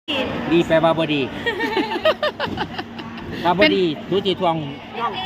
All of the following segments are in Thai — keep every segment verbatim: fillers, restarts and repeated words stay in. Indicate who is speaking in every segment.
Speaker 1: ดีแปลว่าบดีถ้าบดีทุจีทวงน้อง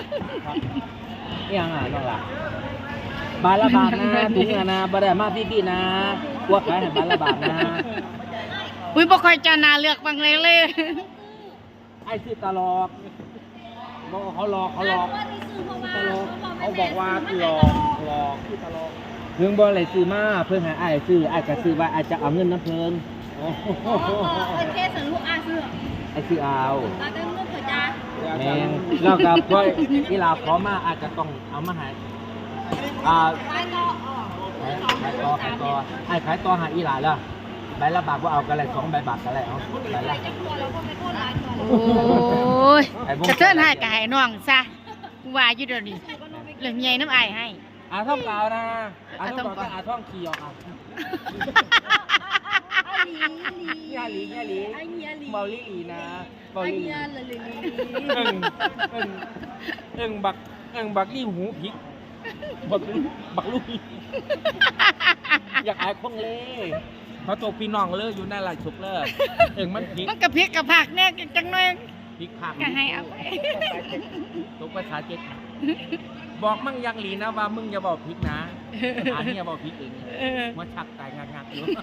Speaker 1: ยังอ่ะน้องล่ะบาละบาทนะถุงนะบาได้มาพี่พี่นะพวกขายให้บาละบาทนะ
Speaker 2: อุ้ยบ่ค่อยจะน่าเลือกบางเลยเลย
Speaker 1: ไอ้ชื่อตลอกบอกเขาหลอกเขาหลอกตลอกเขาบอกว่าหลอกหลอกชื่อตลอกเพิ่งบอกอะไรซื้อมาเพิ่งหาไอ้ซื้อไอ้ก็ซื้อว่าไอ้จะเอาเงินน้ำเพิ่งโอ้โห
Speaker 3: โอเคสรุปอาซื้อ
Speaker 1: ไอ้ซื้อเอา
Speaker 3: ตาเต็มลูกเถอะจ้า
Speaker 1: แมงแล้วก็พอที่เราขอมาอาจจะต้องเอามาให้อ่าขายต่อขายต่อขายต่อไอ้ขายต่อหาอีหลาแล้วใบละบาทว่าเอากันเลยสองใบบาทกันเลยเอาใบละ
Speaker 2: โอ้ยจะเทินให้กายน้องซะว่าอยู่เดี๋ยวนี้เรื่องใหญ่น้ำอายให้
Speaker 1: อาท่องเปล่านะอาท่องเปล่าอาท่องขี่ออกอ่ะยาหลียาหลีเมาลิลีนะเมาลิลีเอิงเอิงเอิงบักเอิงบักลี่หูพิกบักบักลูกอยากอายคงเล่เขาตกพี่น้องเลยอยู่ในหลายชุกเลยเอิงมันพิก
Speaker 2: มันกระพริกกระผักเนี่ยจังหน่อย
Speaker 1: พิกผัก
Speaker 2: ก็ให้เอา
Speaker 1: ตกภาษาเจ็ดบอกมั่งยังหลีนะว่ามึงอย่าบอกพิกนะอันนี้อย่าบอกพิกเองว่าชักตายงักๆอยู่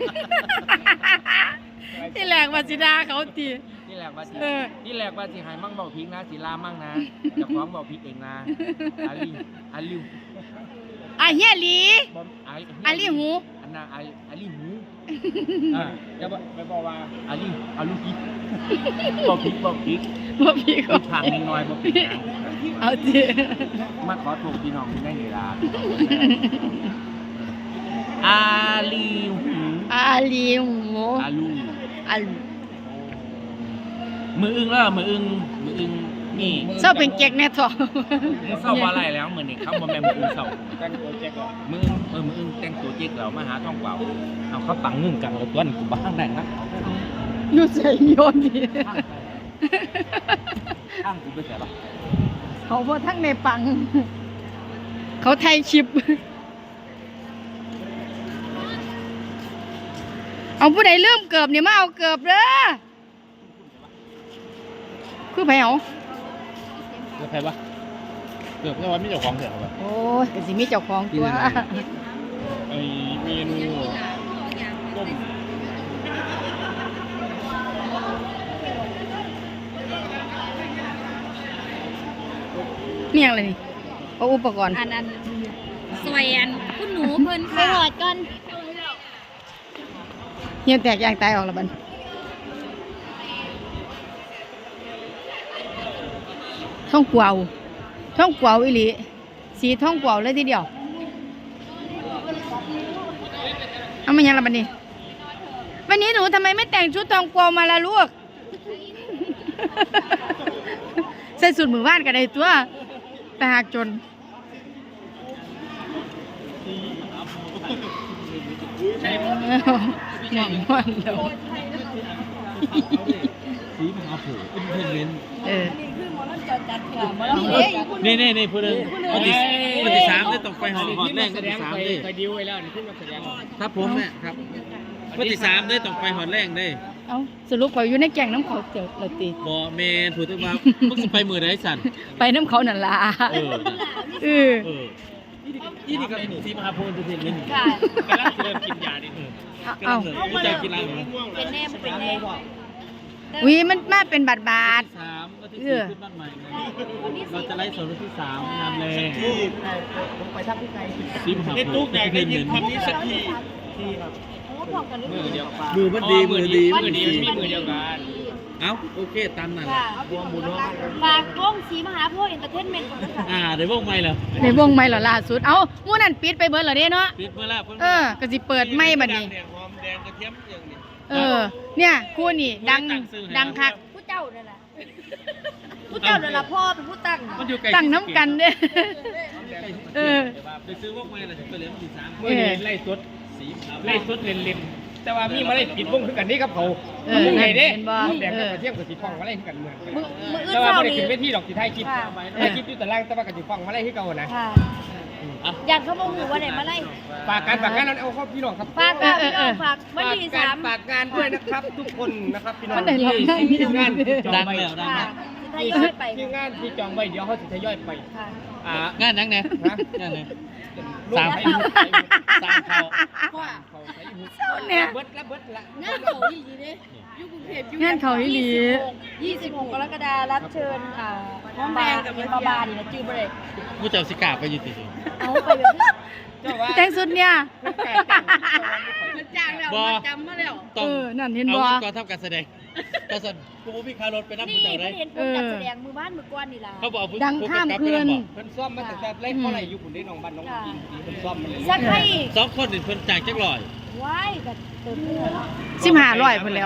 Speaker 2: ที่แหลกว่าสิดาเขาตี
Speaker 1: ที่แหลกว่าสิที่แหลกว่าสิหายมั่งบอกพิกนะสิลามั่งนะจะฟ้องบอกพิกเองนะอาลีอาลิว
Speaker 2: อาเฮียลีอาลีหู
Speaker 1: อันน่ะอาอาลีหูอ่าจะบอกไปบอกว่าอาลีอาลูพิกบอกพิกบอกพิก
Speaker 2: บอกพิก
Speaker 1: ก็ทางน้อยบอกพิกนะ
Speaker 2: เอาจี
Speaker 1: มาขอถูกพี่น้องได้เวลาอาลีหู
Speaker 2: อาลีหู
Speaker 1: อาลู
Speaker 2: อาลู
Speaker 1: มืออึ้งแล้วมืออึ้งมืออึ้งนี่
Speaker 2: เศร้าเป็นเจ๊กแน่ทอง
Speaker 1: เศร้าว่าอะไรแล้วเหมือนนี่เขาบอกแม่มืออึ้งเศร้าแต่งตัวเจ๊กมืออึ้งเออมืออึ้งแต่งตัวเจ๊กเรามาหาท่องเปล่าเอาเขาปังนึ่งกันเราตัวนี้กูบ้างได้นะ
Speaker 2: ยูใส่โยนดี
Speaker 1: ข้างกูไปใส่ปะ
Speaker 2: เขาพอทั้งในปังเขาไทยชิปเอาผู้ใดเริ่มเกือบเนี่ยมาเอาเกือบเด้อคือไผเอา
Speaker 1: เกือบไผปะเกือบแค่ว่ามีเจ้าของเถอะครับ
Speaker 2: โอ้ยก็สิมีเจ้าของตัว
Speaker 1: ไอเมนูต้ม
Speaker 2: เมี่ยงอะไรนี่เอาอุปกรณ์
Speaker 3: อันนั้นสวยอันคุณหนูเพิ่นค่ะไปหอดก่อน
Speaker 2: เฮียแตกยางตายออกแล้วบันท่องกวาวท่องกวาวอีหลีสีท่องกวาวเลยทีเดียวเอามายังละบันนี้วันนี้หนูทำไมไม่แต่งชุดทองกวาวมาละลูกใส่สูทมือบ้านกันได้ตัวแต่หากจนหวังวันแล้ว
Speaker 1: สีมหาโผล่เป็นเพลงเล่น
Speaker 2: เออ
Speaker 1: นี่นี่นี่พูดเลยวันที่วันที่สามได้ตกไปหอหอแรกวันที่สามได้
Speaker 4: ไปดิวไว้แล้วนี่ขึ้นมาแสดง
Speaker 1: ครับผมเนี่ยครับวันที่สามได้ตกไปหอแรกได้
Speaker 2: เอาสรุปไปอยู่ในแก่งน้ำเขาเจียวเราตี
Speaker 1: บ่เมนถูกต้องว่ามึงจะไปมือไหนสั่น
Speaker 2: ไปน้ำเขานั่นล่ะ
Speaker 1: เออ
Speaker 2: เออ
Speaker 1: นี่นี่ก็สีมหาโพธิ์จะเห็นเลย
Speaker 3: ค่ะ
Speaker 4: กำลังเริ่มกินยาดิ
Speaker 2: เอ้า
Speaker 1: รู้จักกินอะไรไหม
Speaker 3: เป็นแน่เป็นแน่
Speaker 2: วิมันมาเป็นบาทบาท
Speaker 1: สามวันที่สี่ขึ้นบ้านใหม่เราจะไล่สดวันที่สามงานแรง
Speaker 4: ไปทักที่ไหน
Speaker 1: สีมหาโพธิ์ในตู้แดงได้ยินคำนี้สักที
Speaker 4: ที่ครับ
Speaker 1: มือเดียวมือมันดีมือดี
Speaker 4: มือดีมีมือเดียวกัน
Speaker 1: เอ้าโอเคตามนั้นวงบุญ
Speaker 3: ฝากวงสีมหาโพธิ์เอนเตอร์เทนเมนต์ก่อนค่ะ
Speaker 1: อ่าได้วงใหม่เหรอ
Speaker 2: ได้วงใหม่เหรอล่าสุดเอ้ามู่นั่นปิดไปเบิร์ดเหรอเนี่ยเนาะ
Speaker 1: ปิดเมื่อไร
Speaker 2: เออก็สิเปิดไม่บัดนี้
Speaker 1: หอมแดงกระเทียมอย่างนี้
Speaker 2: เออเนี่ยคู่นี่ดังดังคัก
Speaker 3: ผู้เจ้าเนี่ยแหละผู้เจ้าเนี่ยแหละพ่อเป็นผู้ตั้ง
Speaker 2: ตั้งน้ำกันเด้เออ
Speaker 1: ไปซื้อวงใหม่ละถึงตัวเหลือมันสี่สาม
Speaker 4: มือดีไล่สุดไล่สุดเล่นเล่นแต่ว่ามีมาได้ปิดวงคือกันนี่ครับเขามึงไงเด้มึงแดงกับเทียมกับสีฟองมาไล่คือกันเหมือนแต่ว่าไม่ได้ขึ้นเวทีดอกสีไทยคลิปไทยคลิปอยู่แต่ล่างแต่ว่ากับสีฟองมาไล่ที่เก่านะ
Speaker 3: อยากเขาบอกหูว่าไหนมาไล่
Speaker 4: ฝากการฝากงานแล้วเอาเข้าพี่น้องครับ
Speaker 3: ฝากค่ะพี่น้องฝากวันที่
Speaker 4: ฝาก
Speaker 3: สาม
Speaker 4: ฝากงานด้วยนะครับ ทุกคนนะครับพี่น้อง
Speaker 2: วันไหนเราได้
Speaker 4: ที่ทีมงานที่จองไว้
Speaker 3: ค่ะทยอยไป
Speaker 4: ทีมงานที่จองไว้เดี๋ยวเขาจะทยอยไป
Speaker 3: ค่ะ
Speaker 4: อ่าง
Speaker 5: านยังไง
Speaker 4: ฮะ
Speaker 5: งานยัง
Speaker 4: สาม
Speaker 5: สาม
Speaker 4: สามเขา
Speaker 3: ว่า
Speaker 4: เขาใช้หุบ
Speaker 2: เจ้าเนี่ย
Speaker 4: เบิดละเบิดละ
Speaker 3: งานเขาอีหลีเด้อยู่กรุงเทพอยู่
Speaker 2: งานเขาอีหลี
Speaker 3: ยี่สิบหกกรกฎาคมรับเชิญอ่าห้องแดงกับมาบานี่นะจื้อบ่ได้
Speaker 5: ผู้เจ้าสิกาไปอยู่ติสิ
Speaker 3: เอาไปแบบนี้
Speaker 4: เจ้าว่า
Speaker 2: แต่งสุดเนี่ย
Speaker 3: มันจางแล้ว
Speaker 5: บ่
Speaker 3: มันจำมาแล้ว
Speaker 5: ต้อง
Speaker 2: เออนั่นเห็น
Speaker 5: เอา
Speaker 2: บ่
Speaker 5: ก่อนทำการแสดงก็สั่นกูบ่มีค่ารถไปนั่ง
Speaker 3: นี่
Speaker 5: ผู้เจ้าได้
Speaker 3: เพิ่นเห็นผมจัดแสดงมือบ้านมือก้อนนี่ล่ะ
Speaker 5: เขาบอกผู้
Speaker 2: ดังข้ามคืน
Speaker 4: เพิ่นซ่อมมาตั้งแต่แรกเท่าไหร่อยู่คุณได้น้องบ้านน้องอิงเพิ่นซ่อมมาเลย
Speaker 3: สักให้
Speaker 5: สองคนนี่เพิ่นจ่ายจักร้อย
Speaker 3: ว้ายกับเติมเนื้อ
Speaker 2: สิบห้าร้อยเพิ่นแล้ว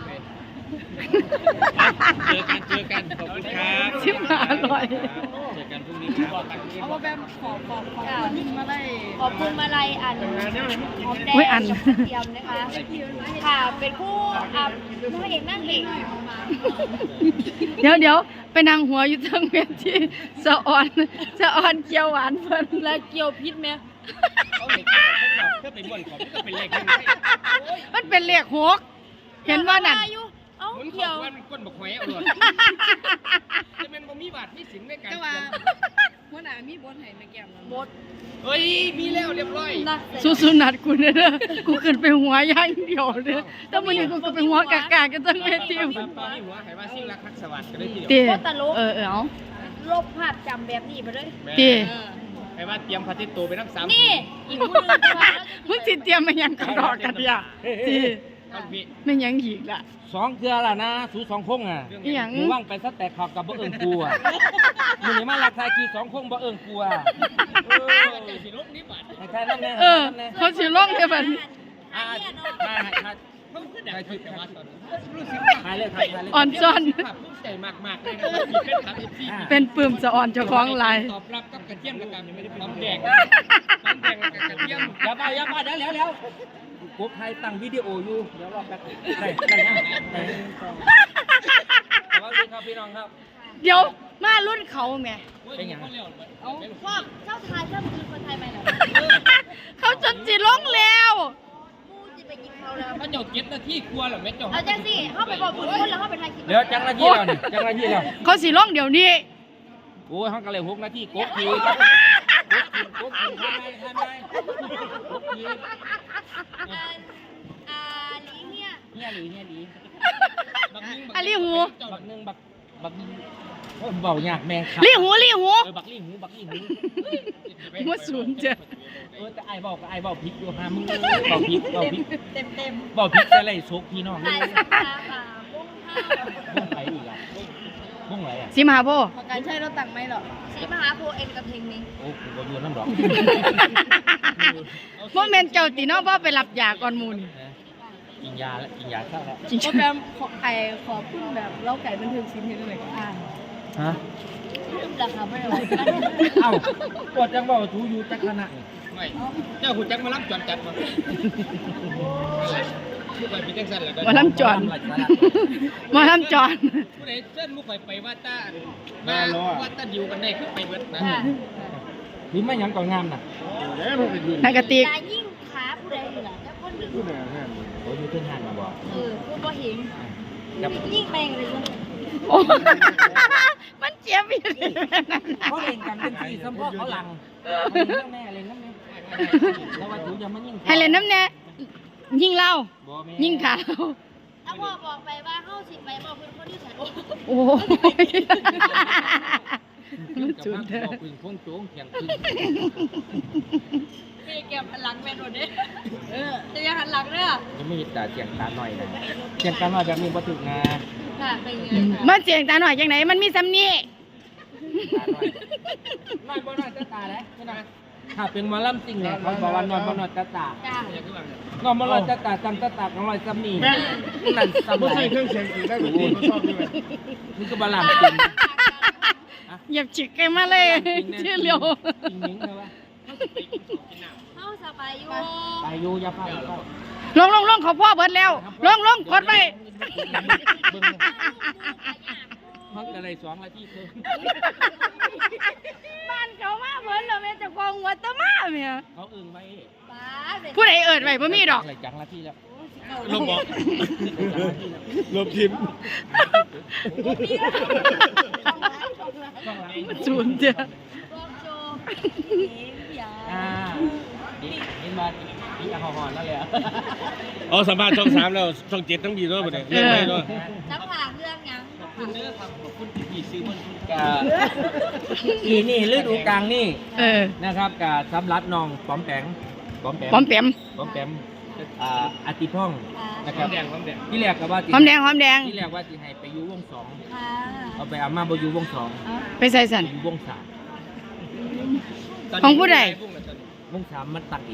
Speaker 5: เจอกันเจอกันขอบคุณครับ
Speaker 2: สิบห้าร้อย
Speaker 5: เจอกันพรุ่งนี้ครับ
Speaker 3: เอาว่าแบบขอขอขอบคุณมาไล่ขอบคุณมาไล่อันหอมแดง
Speaker 2: โอ้ยอัน
Speaker 3: กับกระเทียมนะคะค่ะเป็นผู้อ่านางเอกนั่งเอก
Speaker 2: เดี๋ยวเดี๋ยวไปนั่งหัวอยู่เทั้งเวทีสะออนสะออนเกียวหวานเพิ่น
Speaker 3: แล้วเกี่ยวพิษไหม
Speaker 4: เขาเห็นเขาบอกเพื่อไปบ่นของก็เป็นเลขให้
Speaker 2: มันเป็นเลขหกเห็นว่านั่น
Speaker 3: เอ้า
Speaker 4: หมุนขอ
Speaker 3: เกี่ยว
Speaker 4: งมันก้นบอกหอยเอาเลยจะเป็นบ่มีบาทมีสินในการ
Speaker 3: หัวหน้ามีบทให้แม่แก้มบท
Speaker 4: เฮ้ยมีแล้วเรียบร้อย
Speaker 3: นัก
Speaker 2: สู้ๆนัดกูเด้อกูขึ้นไปหัวอย่างเดียวเด้อแต่มื้อนี้กูก็ไปหัวกากๆกันทั้งเวที
Speaker 4: ตอนนี้หัวหายว่าซิ่งรักทักสวัสดิ์กันเลยทีเดี
Speaker 2: ติ
Speaker 4: ยว
Speaker 2: เออเออเอา
Speaker 3: ลบภาพจำแบบนี้ไปเลย
Speaker 2: ติ
Speaker 4: หายว่าเตรียมพาทิตโตไปทั้งสาม
Speaker 3: นี่อีกคนนึงค่ะ
Speaker 2: มึงสิเตรียมมาหยังกระดอกกันเนี่ยติ
Speaker 4: ท่านพี่
Speaker 2: ไม่หยังอีกล่ะ
Speaker 1: สองเทื่อละนะสูสองคงอ่ะ
Speaker 2: อีหยัง
Speaker 1: หนูว่างไปซะแต่ขอบกับบ่เอิงกูอ่ะมึงนี่มาราคาคือสองคงบ่เอิงกูอ่ะเออ
Speaker 4: สิลบนี้บาท
Speaker 1: ให้ใครนั่นแน่
Speaker 2: เออ
Speaker 1: นั่นแน่
Speaker 2: เขาสิลงได้บัดนี้
Speaker 1: อ่าถ่ายถ่าย
Speaker 4: เพิ่งขึ้นได้คือแต่ว่าตอนรู้สึก
Speaker 1: ถ่ายเลยถ่ายถ่ายเลย
Speaker 2: อ่อนซ่อน
Speaker 4: ภาพภูมิใจมากๆเลยนะครับที่เป็นครับที่
Speaker 2: เป็นปื้มสะอ่อนเจ้าของหลาย
Speaker 4: ตอบรับกับกระเทียมกับการยังไม่ได้เป็นน้ำแดงน้ำแดงกับกระเทียม
Speaker 1: อย่าไปอย่าไปเดี๋ยวเดี๋ยวเดี๋ยวกบไทยตั้งวิดีโออยู่เดี๋ยวรอแป๊บได้ได้ยังได้สวัสดีครับพี่น้องครับ
Speaker 2: เดี๋ยวมารุ่นเขาแหม่
Speaker 1: เป็นหยัง
Speaker 3: เอาพวกเจ้าไทยเจ้าคือคนไทยไหมเหรอ
Speaker 2: เขาจนสิลงแล้ว
Speaker 3: มูจะไปกินเขาแล้ว
Speaker 4: ถ้าเจ้าเก็ตนาที่กลัวเหรอแม่เจ้า
Speaker 3: เอาจังสิเข้าไปบอกบุญคนแล้วเข้าไปไทยกิน
Speaker 1: เดี๋ยวจังนาทีแล้วนี่จังนาทีแล้ว
Speaker 2: เขาสิลงเดี๋ยวนี้
Speaker 1: โอ้ยห้องกันเลยหกนาทีกบทีกบทีกบทีทำไมทำไมกบที
Speaker 3: อ่าอ่าลีเนี่ย
Speaker 1: เฮียหลีเฮียหลี
Speaker 2: อะลี่หู
Speaker 1: บักหนึ่งบักบักโอ้ยเบาหยากแมงครับ
Speaker 2: ลี่หูลี่หู
Speaker 1: เออบักลี่หูบักลี่หู
Speaker 2: หัวศูนย์เจ้ะ
Speaker 1: เออแต่ไอ้เบาก็ไอ้เบาพริกอยู่ฮะมึงเบาพริกเบาพริก
Speaker 3: เต็มเต็ม
Speaker 1: เบาพริกจะไล่ซุกพี่น้อง
Speaker 3: ถ่ายสักตาค่ะบุ้งข้าว
Speaker 1: บุ้งไหลอีกอ่ะบุ้งไหลอ่ะ
Speaker 2: สิมาโบ
Speaker 3: พอการใช้รถตังไม่หรอกสีมหาโพเอ็นกับเพลงนี้
Speaker 1: โอ้กูก็อยู่น้ำดอก
Speaker 2: โมเมนต์เจ้าตีเน้องพ่อไปรับยาก่อนหมูนี่
Speaker 1: กินยาแล้วกินยาเข้าแล้ว
Speaker 2: จริง
Speaker 3: โปรแกรมไอขอบคุณแบบเล่าไก่บันเทิงชิ้นนี้เลยอ่า
Speaker 1: ฮะ
Speaker 3: ราคาไม่ไหว
Speaker 1: เอ้าปวดจังเบาถูอยู่จักขณะนี่
Speaker 4: ไม่เจ้าหุ่นจักมารับจอนจัดมาผู้ใดพี่จังสันแล้วก็
Speaker 2: หมาลำจอนหมาลำจอน
Speaker 4: ผู้ใดเส้นมุกไปไปว่าตามาว่าตาดิวกันได้คือไปเบิดนะ
Speaker 1: หรือไม่หยังก่อนงามน่ะ
Speaker 2: นากระติก
Speaker 3: ยายิ่งขาผู้ใดเหรอแล้วคนหนึ่ง
Speaker 1: โอ้ยมีเพื่อนหันมาบอก
Speaker 3: เออผู้บ่เห็น
Speaker 1: กับ
Speaker 3: ยิ่งแมงเลยเลย
Speaker 2: โอ้มันเจ็บอีก
Speaker 1: เขาเล่นกันเป็นสี่สมพ่อเขาหลังเล่นแม่เล่นน้ำแม่แล้วว่าถูอย่ามายิ่ง
Speaker 2: ให้เล่นน้ำแน่ยิงเรา
Speaker 1: บ่แม่
Speaker 2: ยิงขาเรา
Speaker 3: ถ้าพ่อบอกไปว่าเข้าสิไปบอกเพื่อนคนที่ใส่โอ้
Speaker 2: โอ้มัน
Speaker 1: กับ
Speaker 2: จุด
Speaker 1: น้ำ
Speaker 2: เด้อ
Speaker 1: บอกพึ่งพงโจ้งเพียงพึ่ง
Speaker 3: พี่แกหันหลังแมนโดนเด้เออจะยังหันหลังเด้อ
Speaker 1: จะไม่แต่เสียงตาหน่อยนะเสียงตาหน่อยแบบนี้บ่ถึกนะ
Speaker 3: ค่ะเป็นไง
Speaker 2: มันเสียงตาหน่อยจังไหนมันมีซ้ำนี่
Speaker 1: ตาหน่อยน้อยบ่น้อยตาตาเลยไม่น้อยถ้าเป็นหมอลำจริงเนี่ยเขาบอกว่าน้อยบ่น้อยตาตา
Speaker 3: จ้า
Speaker 1: น้อยบ่น้อยตาตาจำตาตาของน้อยซ้ำนี่นั่นซ้ำ
Speaker 4: ไม่
Speaker 1: ไหน
Speaker 4: ใช่เครื่องเสียงสีได้แบบนี้ชอบด้วย
Speaker 1: นี่ก็บาลามจริง
Speaker 2: เหยียบฉิกกันมาเลยชื่อเร็ว
Speaker 1: จริงนิ้งเลยวะ
Speaker 3: เข้าสบายอยู่
Speaker 1: ไปอยู่อย่าพลาดเข้า
Speaker 2: ลงลงลงเขาพ่อเบิดแล้วลงลงกดไป
Speaker 1: พักอะไรสองนาทีเพิ่ม
Speaker 2: บ้านเขามาเบิดแล้วแม่เจะกองงวัตมาแม่
Speaker 1: เขาอึ้งไว้
Speaker 3: ป้า
Speaker 2: ผู้ใดเอิ้นไว้บ่มีดอก
Speaker 1: อะไรจังละที่แล้ว
Speaker 5: ลงบอก
Speaker 4: ลบทิม
Speaker 2: ศูนย์จ้ะ
Speaker 3: รอบโจยา
Speaker 1: อ่านี่เห็นมานี่แอลกอฮอล์นั่นแหละ
Speaker 4: อ๋อสัมภาษณ์ช่องสามแล้วช่องเจ็ดทั้งบีด้วยประเดี๋ยวเรื่องไหนด้วย
Speaker 3: น้ำผ่าเรื่องยัง
Speaker 5: ขอบคุณเด้อครับขอบคุณที่พี่ซื้อมัน
Speaker 1: กะอีนี่ฤดูกลางนี่
Speaker 2: เออ
Speaker 1: นะครับกะสำหรับน้องปอมแปงปอมแปง
Speaker 2: หอมแปม
Speaker 1: ปอมแปมอ่าอาติพ่องนะ
Speaker 4: ค
Speaker 1: ครั
Speaker 4: วา
Speaker 1: บ
Speaker 4: มแดงความแดง
Speaker 1: ที่แรกก็ว่าสิ
Speaker 2: หอมแดงหอมแดง
Speaker 1: ที่แรกว่าสิให้ไปอยู่วงสอง
Speaker 3: ค่ะ
Speaker 1: เอาไปเอามาบ่อยู่วงสอง
Speaker 2: ไปใส่สัน
Speaker 1: อยู่วงสาม
Speaker 2: ของผู้ใด
Speaker 1: วงสามมันตัดเอง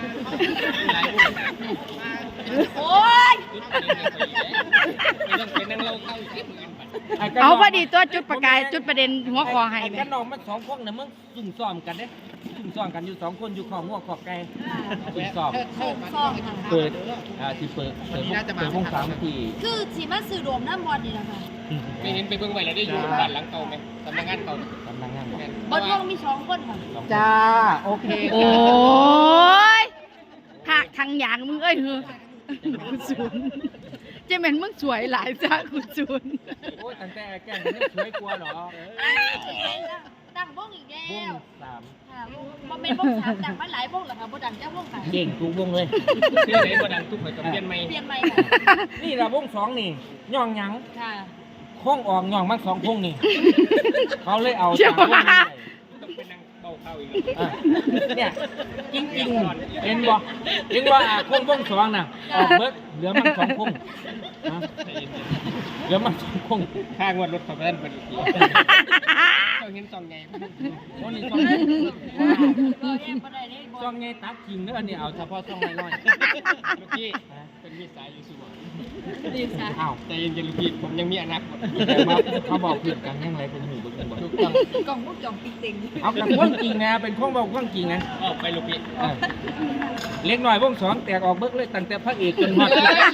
Speaker 3: โอ้ย
Speaker 4: ไม่ต้องไปนั่งเล่าเข้าอีกทีมือกันไป
Speaker 2: เอาพอดีตัวจุดประกายจุดประเด็นหัวคอให้
Speaker 1: ไอ้
Speaker 2: แม่
Speaker 1: กันน้องมันสองคนน่ะมึงซุ่มซ้อมกันเด้ซุ่มซ้อมกันอยู่สองคนอยู่ข้อหัวข้อไก่ซุ่มซ้อม
Speaker 3: เปิดซองค่ะ
Speaker 1: เปิดอ่าที่เปิดเปิดวงเปิดวงสามที่
Speaker 3: คือสีมาสื่อรวมน้ำบอลนี่แหละค่ะ
Speaker 4: ไม่เห็นไปเบิ่งไว้แล้วได้อยู่บ้านหลังเก่าไหมสำนักงานเก่า
Speaker 1: กำลังงานบอก
Speaker 3: บอลวงมีสองคนค่ะ
Speaker 1: สองคน
Speaker 2: จ้าโอเคโอ้ยหักทางอย่างมึงเอ้ยเฮ้อคุณศูนย์เจแม่นมึงสวยหลายจ้าคุณศูนย์
Speaker 1: โอ้ยตั้งแต่แกล้งมันช่วยกลัวเหรอ
Speaker 3: ดังวงอีกแล้ว
Speaker 1: วงสาม
Speaker 3: ค่ะวงเป็นวงสามดังมาหลายวงเหรอคะบ่ดังเจ้าวงค่ะ
Speaker 1: เก่งทุกวงเลย
Speaker 4: ชื่อไหนบ่ดังทุกคนกับเปลี่ยนใหม่
Speaker 3: เปลี่ยนใหม่ค่ะ
Speaker 1: นี่ละวงสองนี่ย่องหยัง
Speaker 3: ค่ะ
Speaker 1: โค้งออกย่องมันสองโค้งนี่เขาเลยเอา
Speaker 2: เชื่อ
Speaker 1: สามวง
Speaker 2: ว่า
Speaker 1: นี่
Speaker 4: ต้องไปนั่งเบาเข้าอีก
Speaker 1: อ่ะเนี่ยจริงจริงๆเห็นบ่เห็นว่าอ่ะโค้งวงสองน่ะออกเบิดเหลือมันสองโค้งฮะเหลือมันสองโค้ง
Speaker 4: ข้างวันรถขับไปนั่นเป็นอีกทีเราเห็นซองใหญ่
Speaker 1: โอ้นี่สองโค้ง
Speaker 3: บ่เอ็มบ่ได้เลยบ่
Speaker 1: สองไงตัดทิ้งเด้ออันนี้เอาเฉพาะสองน้อย
Speaker 4: ลูกพี่เป็นมีสายอยู่สูง
Speaker 3: ดีค่ะ
Speaker 1: ๆอ้าว
Speaker 4: ใจเย็นๆลูกพี่ผมยังมีอนาคต
Speaker 1: แต่ว่าเขาบอกผิดกันยังไงเป็นหูเป็นบ่
Speaker 4: ถูกต้อง
Speaker 3: กล่องพวกจ่องปิ๊กติง
Speaker 1: เอากับว่างจริงนะเป็นข้องบอกว่างจริงนะ
Speaker 4: ออกไปลูกพี่
Speaker 1: เออเล็กหน่อยวงสองแตกออกเบิกเลยตั้งแต่พระเอกจนฮอด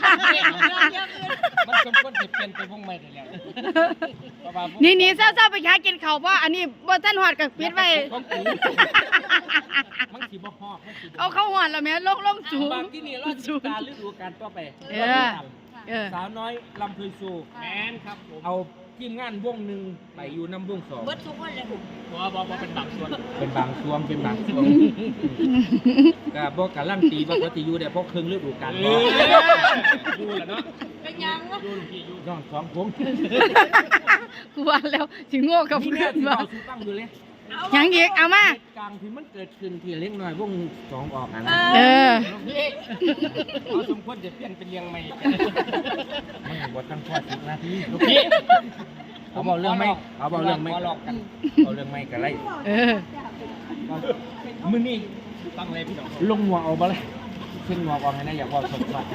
Speaker 4: มันสมควรจะเปลี่ยนไปวงใหม่ได้แล้ว
Speaker 2: นี่นี่เศร้าๆไปหากินข้าวเพราะอันนี้บ่ทันหอดกับปิดไว้
Speaker 1: ของกูมันสิบ่ฮอดมันสิบ่
Speaker 2: เอาเข้าหอดแล้วแม่ลงลงสูง
Speaker 1: บางที่นี่รอดสูการฤดูกาลต่อไป
Speaker 2: เออ เออ
Speaker 1: สาวน้อยลำเพยซู
Speaker 4: แมนครับผม
Speaker 1: เอาทีมงานวงหนึ่งไปอยู่น้ำวงสอง
Speaker 3: เบิดทุกคนเลยค่ะ
Speaker 4: บอบอบอเป็นบางส่วน
Speaker 1: เป็นบางช่วงเป็นบางช่วงก็บอกการันตีว่าเขาจะอยู่ได้เพราะครึ่งฤดูกาล
Speaker 4: เอ
Speaker 1: บ่
Speaker 4: อดูแหละเนาะ
Speaker 3: เป็นยังวะ
Speaker 4: ดูลูกพี่อยู่
Speaker 1: ย้อนสองผม
Speaker 2: กูว่าแล้วสิโง่กับ
Speaker 1: นี่
Speaker 2: เพื่
Speaker 1: แม่
Speaker 2: อน
Speaker 1: ที่
Speaker 2: ว่า
Speaker 1: เราซื้อตั้งอยู่เลย
Speaker 2: ยังอีกเอามา
Speaker 1: เหตุการณ์ที่มันเกิดขึ้นที่เล็กน้อยวงสองออกอ่ะนะ
Speaker 2: เออ
Speaker 4: ลูกพี่เขาสมควรจะเปลี่ยนเป็นเลี้ยงใหม่
Speaker 1: มันบทตั้งข้อสิบนาที
Speaker 4: ลูกพี่
Speaker 1: เอาบอกเรื่องไม่เอาบอกเรื่องไม่
Speaker 4: ขอหลอกกัน
Speaker 1: เอาเรื่องไม่กันไร
Speaker 2: เออ
Speaker 1: มือนี่
Speaker 4: ตั้งเลยพี่น้อง
Speaker 1: ลงหัวเอาบ่เลยขึ้นหัวออกให้นะอยากว่าสมบัติ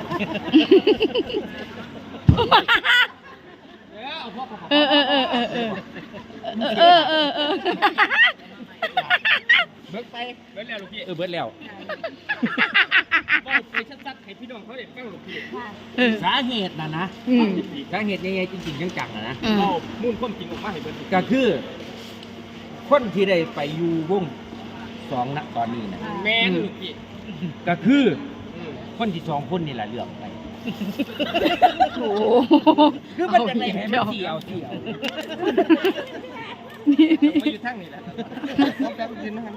Speaker 4: เออเอาพวกเขา
Speaker 2: เออเออเออเออเออเออเออเออ
Speaker 4: เบิกไปเบิกแล้วลูกพี่
Speaker 1: เออเบิดแล้ว
Speaker 4: บอกไปชัดๆให้พี่น้องเขาได้ฟังลูกพี่
Speaker 3: ค่ะ
Speaker 2: เออ
Speaker 1: สาเหตุนะนะ
Speaker 2: อืม
Speaker 1: สาเหตุใหญ่ๆจริงๆจังๆนะนะ
Speaker 2: อืม
Speaker 4: เอามุ่นความจริงออกมาให้เบิด
Speaker 1: ก็คือ คนที่ได้ไปอยู่วงสองณตอนนี้นะ
Speaker 4: แม่นลูกพี่
Speaker 1: ก็คือ
Speaker 4: อืม
Speaker 1: คนที่สองคนนี่แหละเลือกไป
Speaker 2: โอ้
Speaker 1: คือมันจะได้ให้มันเสียวเสียว
Speaker 4: มาอยู่ทางนี้แหละเขาแป๊บยืนนะครับ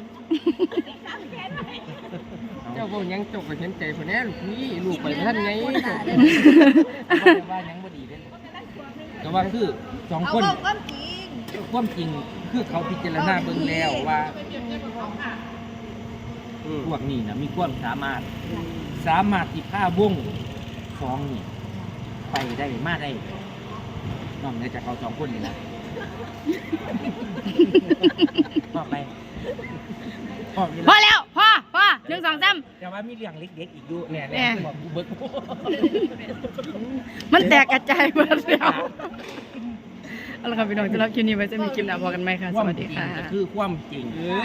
Speaker 4: เจ้าพวกยังจกกับเห็นใจคนนี้ลูกพี่ลูกไปท่านไง
Speaker 1: ว่ายังบ่ดีเด้ก็ว่าคือสอง
Speaker 3: เอา
Speaker 1: คน
Speaker 3: เอาความจริง
Speaker 1: ความจริงคือเขาพิจารณาเบิ่งแล้วว่าพวกนี้นะมีความสามารถ สามารถที่พาวงสองนี่ไปได้มาได้นอกเหนือจากเขาสองคนนี่นะต่อไปพ่อมี
Speaker 2: พอแล้วพอพอหนึ่งสองสาม
Speaker 1: แต่ว่ามีเรื่องเล็กๆอีกอยู่เนี่ย
Speaker 2: แน่
Speaker 1: เนี่ยบอกกูเบิก
Speaker 2: มันแตกกระจายหมดแล้วเอาละครับพี่น้องสำหรับคลิปนี้ไว้จะมีคลิปหน้าพอกันไหมคะ สวัสดีค่ะ
Speaker 1: ก็คือความจริง